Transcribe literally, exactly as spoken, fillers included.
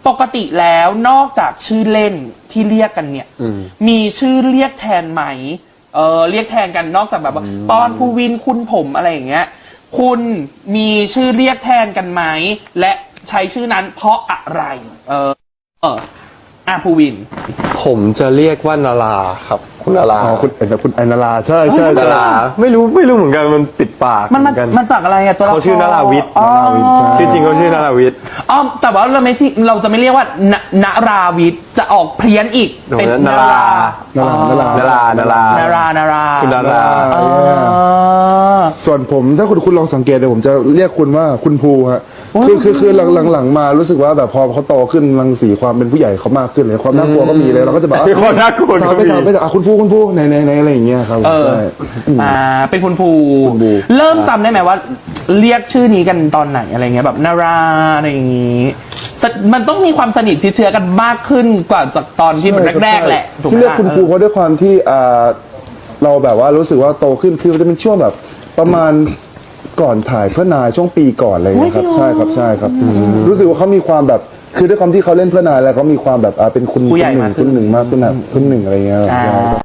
ปกติแล้วนอกจากชื่อเล่นที่เรียกกันเนี่ยมีชื่อเรียกแทนไหมเออเรียกแทนกันนอกจากแบบว่าปอนภูวินคุณผมอะไรอย่างเงี้ยคุณมีชื่อเรียกแทนกันไหมและใช้ชื่อนั้นเพราะอะไรเออเอออ่ะภูวินผมจะเรียกว่านาราครับคุณนาราอ๋อคุณเอ็นคุณไอนาราใช่ใช่นาราไม่รู้ไม่รู้เหมือนกันมันติดปากมันมันเหมือนกันมันจากอะไรอะตัวละครเขาชื่อนาราวิทย์อ๋อชื่อจริงเขาชื่อนาราวิทย์อ๋อแต่ว่าเราไม่ใช่เราจะไม่เรียกว่านานาราวิทย์จะออกเพี้ยนอีกเป็นนารานารานารานารานารานารานาราคุณนาราอ๋อส่วนผมถ้าคุณคุณลองสังเกตเดี๋ยวผมจะเรียกคุณว่าคุณภูฮะคือคือคือหลังหลังหลังมารู้สึกว่าแบบพอเขาโตขึ้นรังสีความเป็นผู้ใหญ่เขามากขึ้นเลยความน่ากลัวก็มีเลยเราก็จะแบบมีความน่ากลัวก็ถามไปมีถามไปถามอ่ะคุณภูคุณภูไหนไหนไหนอะไรอย่างเงี้ยครับเออใช่อ่าเป็นคุณภูคุณภูเริ่มจำได้ไหมว่า เรียกชื่อนี้กันตอนไหนอะไรเงี้ยแบบนาราอะไรอย่างงี้สมันต้องมีความสนิทชิดเชื้อกันมากขึ้นกว่าจากตอนที่มันแรกๆแหละถูกไหมที่เรียกคุณเออครูเพราะด้วยความที่อ่าเราแบบว่ารู้สึกว่าโตขึ้นคือมันจะเป็นช่วงแบบประมาณก่อนถ่ายเพื่อนายช่วงปีก่อนอะไรอย่างเงี้ยครับใช่ครับใช่ครับรู้สึกว่าเขามีความแบบคือด้วยความที่เขาเล่นเพื่อนายแล้วเขามีความแบบอ่าเป็นคุณผู้ใหญ่คุณหนึ่มาง กขึ้นคุณหนึ่งมากขึ้นแบบคุณหนึ่งอะไรเงี้ยอ่า